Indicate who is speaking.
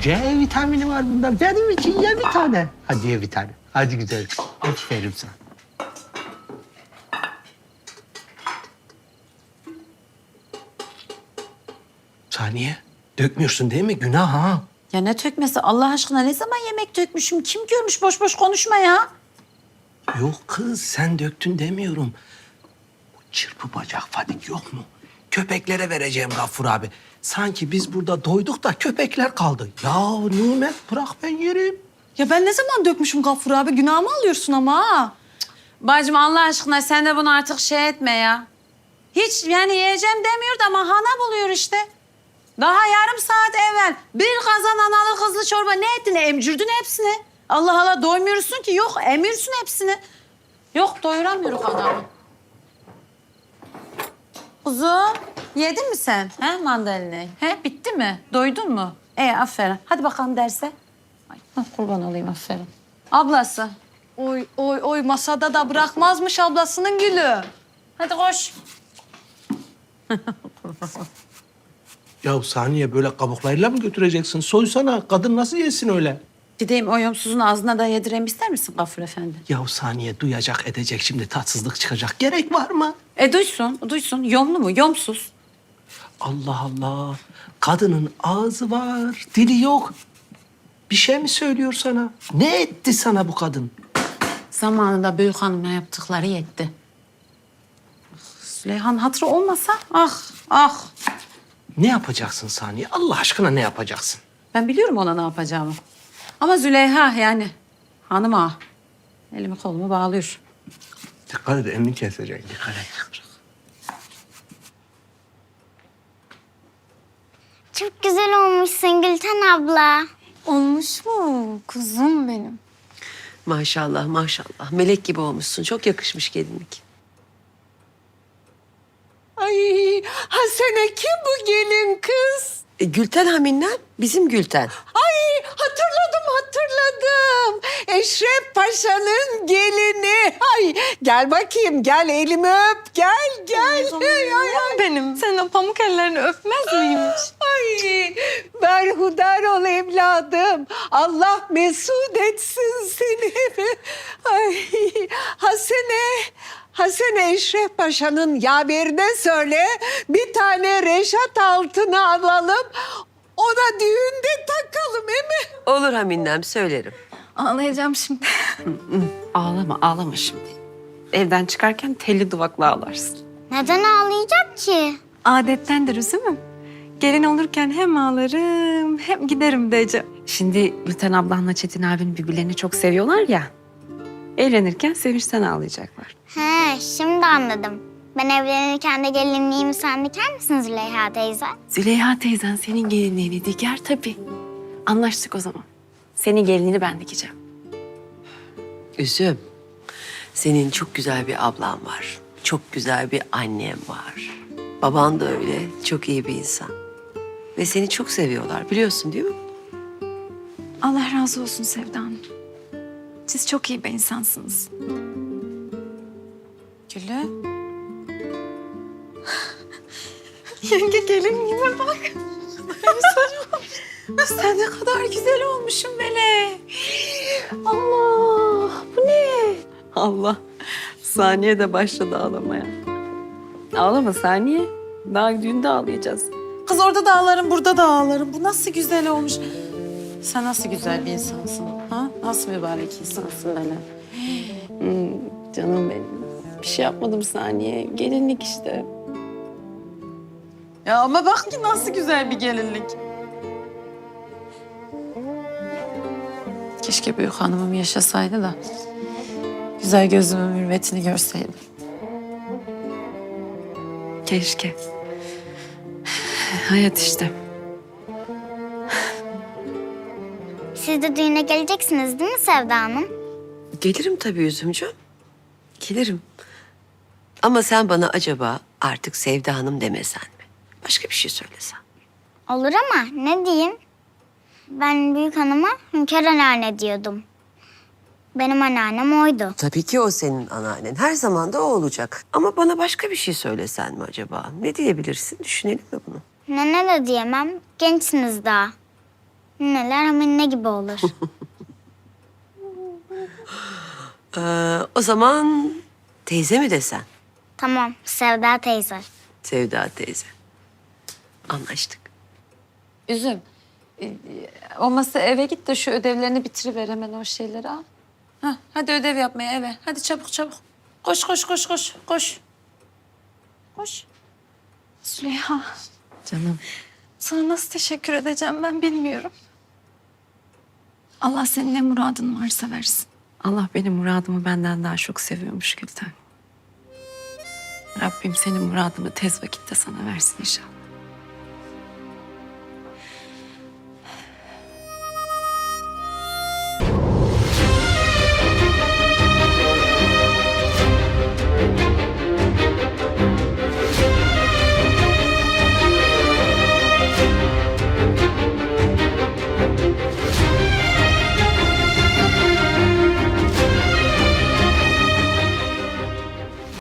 Speaker 1: C vitamini var bunda. Benim için ye bir tane. Hadi ye bir tane. Hadi güzel. Aferin sana. Saniye, dökmüyorsun değil mi? Günah ha.
Speaker 2: Ya ne tökmesi Allah aşkına, ne zaman yemek dökmüşüm? Kim görmüş, boş boş konuşma ya.
Speaker 1: Yok kız, sen döktün demiyorum. Bu çırpı bacak Fadik yok mu? Köpeklere vereceğim Gaffur abi. Sanki biz burada doyduk da köpekler kaldı. Ya Nimet bırak ben yerim.
Speaker 3: Ya ben ne zaman dökmüşüm Gaffur abi? Günahımı alıyorsun ama ha.
Speaker 2: Bacım Allah aşkına sen de bunu artık şey etme ya. Hiç yani yiyeceğim demiyordu ama hana buluyor işte. Daha yarım saat evvel bir kazan analı kızlı çorba ne ettin? Emcürdün hepsini. Allah Allah doymuyorsun ki. Yok emiyorsun hepsini. Yok doyuramıyoruz adamı. Kuzum yedin mi sen? He mandalinayı? He bitti mi? Doydun mu? Aferin. Hadi bakalım derse. Ay, kurban olayım aferin. Ablası.
Speaker 3: Oy oy oy, masada da bırakmazmış ablasının gülü.
Speaker 2: Hadi koş.
Speaker 1: Ya Saniye böyle kabuklarıyla mı götüreceksin? Soysana. Kadın nasıl yesin öyle?
Speaker 2: Gideyim o yomsuzun ağzına da yedireyim ister misin Gafur Efendi?
Speaker 1: Ya Saniye duyacak edecek şimdi tatsızlık çıkacak. Gerek var mı?
Speaker 2: Duysun. Yomlu mu? Yomsuz.
Speaker 1: Allah Allah. Kadının ağzı var, dili yok. Bir şey mi söylüyor sana? Ne etti sana bu kadın?
Speaker 2: Zamanında büyük hanıma yaptıkları yetti. Süleyhan hatırı olmasa ah.
Speaker 1: Ne yapacaksın Saniye? Allah aşkına ne yapacaksın?
Speaker 2: Ben biliyorum ona ne yapacağımı. Ama Züleyha yani hanım ağa. Elimi kolumu bağlıyor.
Speaker 1: Dikkat et, elini kesecek. Dikkat et.
Speaker 4: Çok güzel olmuşsun Gülten abla.
Speaker 3: Olmuş mu kuzum benim?
Speaker 5: Maşallah maşallah. Melek gibi olmuşsun. Çok yakışmış gelinlik.
Speaker 6: Ay Hasene kim bu gelin kız?
Speaker 5: Gülten Hamin'den bizim Gülten.
Speaker 6: Ay hatırladım. Eşref Paşa'nın gelini. Ay gel bakayım gel elimi öp gel. Ay.
Speaker 3: Benim. Sen o pamuk ellerini öpmez miymiş?
Speaker 6: Ay berhudar ol evladım. Allah mesut etsin seni. Ay Hasene Eşref Paşa'nın yaverine söyle. Bir tane Reşat altını alalım. Ona düğünde takalım değil mi?
Speaker 5: Olur Hamin'den söylerim.
Speaker 3: Ağlayacağım şimdi.
Speaker 2: Ağlama şimdi. Evden çıkarken telli duvakla ağlarsın.
Speaker 4: Neden ağlayacak ki?
Speaker 3: Adettendir üzümüm. Gelin olurken hem ağlarım hem giderim diyeceğim.
Speaker 7: Şimdi Gülten ablanla Çetin abin birbirlerini çok seviyorlar ya. Evlenirken sevinçten ağlayacaklar.
Speaker 4: He, şimdi anladım. Ben evlenirken de gelinliğimi sen diker misin Züleyha teyze?
Speaker 7: Züleyha teyzen senin gelinliğini diker tabii. Anlaştık o zaman. Senin gelinliğini ben dikeceğim.
Speaker 5: Üzüm. Senin çok güzel bir ablan var. Çok güzel bir annem var. Baban da öyle. Çok iyi bir insan. Ve seni çok seviyorlar biliyorsun değil mi?
Speaker 3: Allah razı olsun Sevda Hanım. Siz çok iyi bir insansınız.
Speaker 2: Gülü.
Speaker 3: Yenge gelin gibi bak.
Speaker 2: Sen ne kadar güzel olmuşsun böyle. Allah bu ne?
Speaker 7: Allah. Saniye de başladı ağlamaya. Ağlama Saniye. Daha düğünde ağlayacağız.
Speaker 2: Kız orada da ağlarım, burada da ağlarım. Bu nasıl güzel olmuş. Sen nasıl güzel bir insansın, ha? Nasıl mübarek insansın böyle.
Speaker 7: Canım benim. Bir şey yapmadım Saniye. Gelinlik işte.
Speaker 2: Ya ama bak ki nasıl güzel bir gelinlik. Keşke büyük hanımım yaşasaydı da güzel gözümün mürvetini görseydim.
Speaker 7: Keşke. Hayat işte.
Speaker 4: Siz de düğüne geleceksiniz değil mi Sevda Hanım?
Speaker 5: Gelirim tabii Üzümcüğüm. Gelirim. Ama sen bana acaba artık Sevda Hanım demesen mi? Başka bir şey söylesen.
Speaker 4: Olur ama ne diyeyim? Ben büyük hanıma Hünkar anneanne diyordum. Benim anneannem oydu.
Speaker 5: Tabii ki o senin anneannen. Her zaman da o olacak. Ama bana başka bir şey söylesen mi acaba? Ne diyebilirsin? Düşünelim mi bunu?
Speaker 4: Nene de diyemem. Gençsiniz daha. Neler ama ne gibi olur.
Speaker 5: O zaman teyze mi desen?
Speaker 4: Tamam, Sevda teyze.
Speaker 5: Sevda teyze. Anlaştık.
Speaker 2: Üzüm. Olmazsa eve git de şu ödevlerini bitiriver hemen o şeyleri al. Ha, hadi ödev yapmaya eve. Hadi çabuk çabuk. Koş koş koş koş koş. Koş.
Speaker 3: Züleyha,
Speaker 7: Canım.
Speaker 3: sana nasıl teşekkür edeceğim ben bilmiyorum. Allah senin ne muradın varsa versin.
Speaker 7: Allah benim muradımı benden daha çok seviyormuş Gülten. Rabbim senin muradını tez vakitte sana versin inşallah.